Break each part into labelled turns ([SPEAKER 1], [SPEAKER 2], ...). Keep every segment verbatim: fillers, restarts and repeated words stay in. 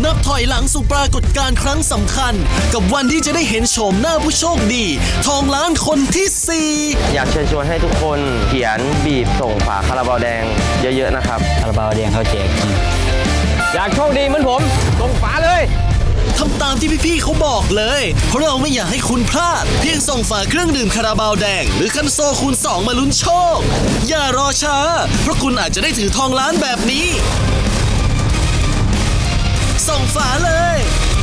[SPEAKER 1] นับถอยหลังสู่ปรากฏการณ์ครั้งสำคัญกับวันที่จะได้เห็นโฉมหน้าผู้โชคดีทองล้านคนที่สี่
[SPEAKER 2] อยากเชิญชวนให้ทุกคนเขียนบีบส่งฝาคาราบาวแดงเยอะๆนะครับ
[SPEAKER 3] คาราบาวแดงเขาแจกจริง
[SPEAKER 2] อยากโชคดีเหมือนผมส่งฝาเลย
[SPEAKER 1] ทำตามที่พี่ๆเขาบอกเลยเพราะเราไม่อยากให้คุณพลาดเพียงส่งฝาเครื่องดื่มคาราบาวแดงหรือคันโซคูณสองมาลุ้นโชคอย่ารอช้าเพราะคุณอาจจะได้ถือทองล้านแบบนี้ส่งฝาเลย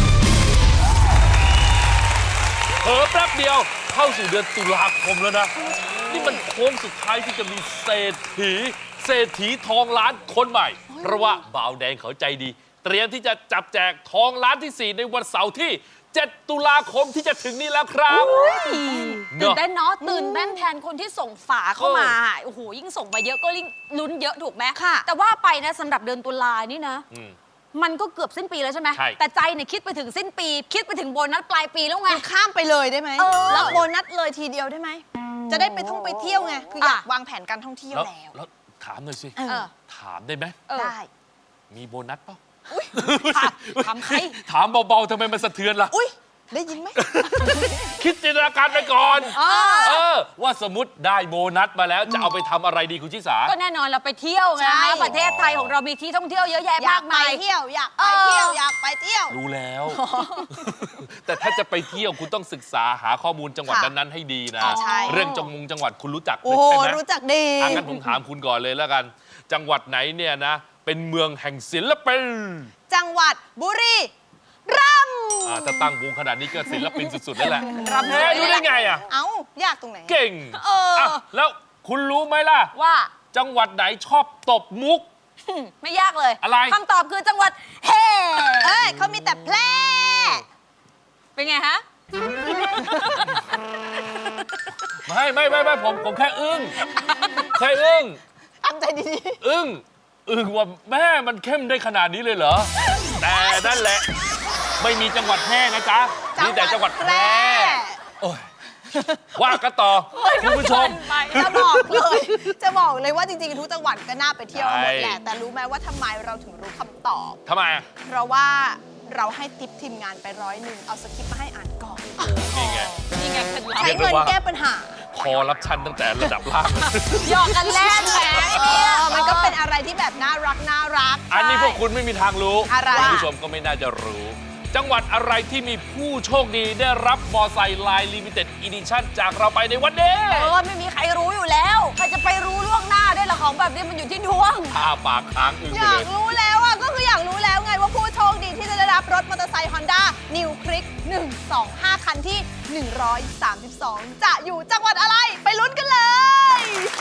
[SPEAKER 4] เผลอแป๊บเดียวเข้าสู่เดือนตุลาคมแล้วนะนี่มันโค้งสุดท้ายที่จะมีเศรษฐีเศรษฐีทองล้านคนใหม่เพราะว่าบ่าวแดงเขาใจดีเตรียมที่จะจับแจกทองล้านที่สี่ในวันเสาร์ที่เจ็ดตุลาคมที่จะถึงนี้แล้วครับ
[SPEAKER 5] ตื่นเต้นเนาะตื่นเต้นแทนคนที่ส่งฝาเข้ามาโอ้โหยิ่งส่งมาเยอะก็ยิ่งลุ้นเยอะถูกไหมค่ะแต่ว่าไปนะสำหรับเดือนตุลานี่นะมันก็เกือบสิ้นปีแล้วใช่ไหมแต่ใจเนี่ยคิดไปถึงสิ้นปีคิดไปถึงโบนัสปลายปีแล้วไง
[SPEAKER 6] ข้ามไปเลยได้ไหมรับโบนัสเลยทีเดียวได้ไหมจะได้ไปท่องไปเที่ยวไงคืออยากวางแผนการท่องเที่ยวแล้ว
[SPEAKER 4] แล้วถามหน่อยสิถามได้ไหม
[SPEAKER 6] ได้
[SPEAKER 4] มีโบนัสเปล่า
[SPEAKER 5] ถามใคร
[SPEAKER 4] ถามเบาๆทำไมมันสะเทือนล่ะ
[SPEAKER 6] อุ้ยได้ยินไหม
[SPEAKER 4] คิดจินตนาการไปก่อนเออว่าสมมติได้โบนัสมาแล้วจะเอาไปทำอะไรดีคุณชิสา
[SPEAKER 5] ก็แน่นอนเราไปเที่ยวไงประเทศไทยของเรามีที่ท่องเที่ยวเยอะแยะมากมาย
[SPEAKER 6] เที่ยวอยากไปเที่ยวอยากไปเที่ยว
[SPEAKER 4] รู้แล้วแต่ถ้าจะไปเที่ยวคุณต้องศึกษาหาข้อมูลจังหวัดนั้นๆให้ดีนะเรื่องจังมุงจังหวัดคุณรู้จัก
[SPEAKER 6] ใช่ไหมรู้จักดี
[SPEAKER 4] งั้นผมถามคุณก่อนเลยแล้วกันจังหวัดไหนเนี่ยนะเป็นเมืองแห่งศิลปิน
[SPEAKER 6] จังหวัดบุรีรัมย์
[SPEAKER 4] ถ้าตั้งวงขนาดนี้ก็ศิลปินสุดๆแล้วแหละรัมย์รู้ได้ไงอ่ะ
[SPEAKER 6] เอ้ายากตรงไหน
[SPEAKER 4] เก่งเออแล้วคุณรู้ไหมล่ะ
[SPEAKER 5] ว่า
[SPEAKER 4] จังหวัดไหนชอบตบมุก
[SPEAKER 5] ไม่ยากเลย
[SPEAKER 4] อะไร
[SPEAKER 5] คำตอบคือจังหวัดเฮ
[SPEAKER 6] เอ้ยเขามีแต่แพร่
[SPEAKER 5] เป็นไงฮะ
[SPEAKER 4] ไม่ไม่ไม่ไม่ผมผมแค่อึ้งแค่อึ้ง
[SPEAKER 6] ทำใจดี
[SPEAKER 4] ๆอึ้งอึ้งว่าแม่มันเข้มได้ขนาดนี้เลยเหรอแต่นั่นแหละไม่มีจังหวัดแพร่นะจ๊ะมีแต่จังหวัดแพร่โอ้ยว่ากันต่อคุณผู้ชม
[SPEAKER 6] จะบอกเลยจะบอกเลยว่าจริงๆทุกจังหวัดก็น่าไปเที่ยวหมดแหละแต่รู้ไหมว่าทำไมเราถึงรู้คำตอบ
[SPEAKER 4] ทำไม
[SPEAKER 6] เพราะว่าเราให้ทิปทีมงานไปร้อยหนึ่งเอาสคริปต์มาให้อ่านก่อน
[SPEAKER 4] นี่ไง
[SPEAKER 5] นี่ไง
[SPEAKER 6] ใช้เงินแก้ปัญหา
[SPEAKER 4] คอรับชันตั้งแต่ระดับล่าง
[SPEAKER 5] หยอกกันแล่นแหม
[SPEAKER 6] มันก็เป็นอะไรที่แบบน่ารักน่ารัก
[SPEAKER 4] อันนี้พวกคุณไม่มีทางรู้คุณผู้ชมก็ไม่น่าจะรู้จังหวัดอะไรที่มีผู้โชคดีได้รับมอไซค์ไลน์ลิมิเต็ดอีดิชั่นจากเราไปในวันนี้
[SPEAKER 5] เออไม่มีใครรู้อยู่แล้วใครจะไปรู้ล่วงหน้าได้ละของแบบนี้มันอยู่ที่ดวง
[SPEAKER 4] ท่าปากค้างอึ้ง
[SPEAKER 6] เลยอยากรู้แล้วอ่ะก็คืออยากรู้แล้วไงว่าผู้โชคดีที่จะได้รับรถมอเตอร์ไซค์ Honda New Click หนึ่ง สอง ห้า คันที่หนึ่งร้อยสามสิบสองจะอยู่จังหวัดอะไรไปลุ้นกันเลย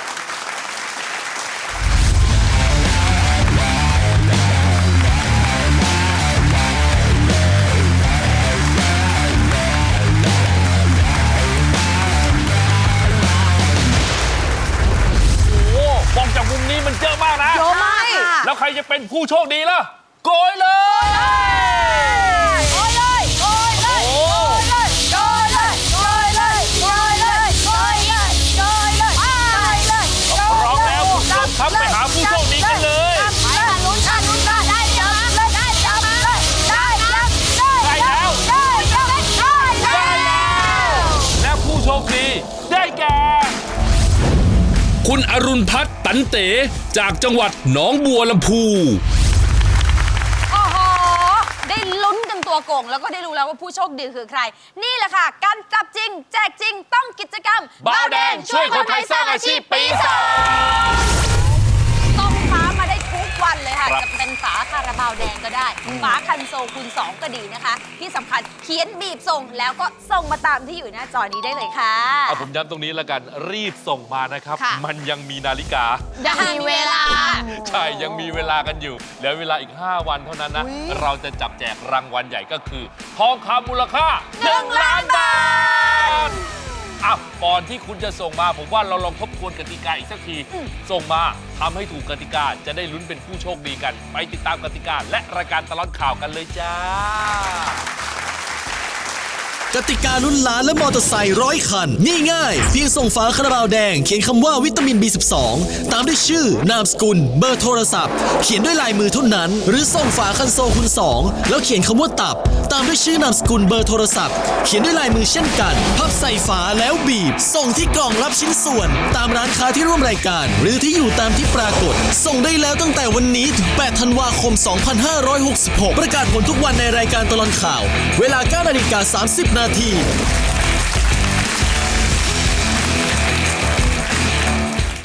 [SPEAKER 4] มองจากมุมนี้มันเยอะมากนะ
[SPEAKER 6] เยอะมาก
[SPEAKER 4] แล้วใครจะเป็นผู้โชคดีล่ะโกยเลย
[SPEAKER 6] โกยเลยโกยเลยโกยเลยโกยเลยโกยเลยโกยเลยโกยเลยโกยเลยโกยเลย
[SPEAKER 4] พร้อมแล้วคุณผู้ชมครับไปหาผู้โชคดีกันเลย
[SPEAKER 6] ไปลุ้นกันลุ้นกันได้จับเลยได้จับเลยได้จับได้
[SPEAKER 4] แล้ว
[SPEAKER 6] ได้จับได้แล้ว
[SPEAKER 4] และผู้โชคดีได้แก่คุณอรุณพัฒน์ตันเต๋จากจังหวัดหนองบัวลำพู
[SPEAKER 5] โอ้โหได้ลุ้นกันตัวโก่งแล้วก็ได้รู้แล้วว่าผู้โชคดีคือใครนี่แหละค่ะการจับจริงแจกจริงต้องกิจกรรม
[SPEAKER 4] บ่าวแดงช่วยคนไทยสร้างอาชีพปีสอง
[SPEAKER 5] ต้องฟ้ามาได้ทุกวันเลยค่ะจะเป็นฝาคาราบาวแดงก็ได้ฝาคันโซคูณสองก็ดีนะคะที่สำคัญเขียนบีบส่งแล้วก็ส่งมาตามที่อยู่หน้าจอนี้ได้เลยค่ะ
[SPEAKER 4] เอาผมย้ำตรงนี้แล้วกันรีบส่งมานะครับมันยังมีนาฬิกา
[SPEAKER 5] ยังมีเวลา
[SPEAKER 4] ใช่ยังมีเวลากันอยู่เหลือเวลาอีกห้าวันเท่านั้นนะเราจะจับแจกรางวัลใหญ่ก็คือทองคำมูลค่าหนึ่งล้านบาทอ่ะก่อนที่คุณจะส่งมาผมว่าเราลองทบทวนกติกาอีกสักทีส่งมาทำให้ถูกกติกาจะได้ลุ้นเป็นผู้โชคดีกันไปติดตามกติกาและรายการตลอดข่าวกันเลยจ้า
[SPEAKER 1] กติกาลุ้นล้านและมอเตอร์ไซค์ร้อยคันง่ายๆเพียงส่งฝาคาราบาวแดงเขียนคำว่าวิตามิน บี สิบสอง ตามด้วยชื่อนามสกุลเบอร์โทรศัพท์เขียนด้วยลายมือเท่านั้นหรือส่งฝาคันโซคูณสองแล้วเขียนคำว่าตับตามด้วยชื่อนามสกุลเบอร์โทรศัพท์เขียนด้วยลายมือเช่นกันพับใส่ฝาแล้วบีบส่งที่กล่องรับชิ้นส่วนตามร้านค้าที่ร่วมรายการหรือที่อยู่ตามที่ปรากฏส่งได้แล้วตั้งแต่วันนี้ถึงแปดธันวาคมสองพันห้าร้อยหกสิบหกประกาศผลทุกวันในรายการตลอดข่าวเวลา เก้านาฬิกาสามสิบนาที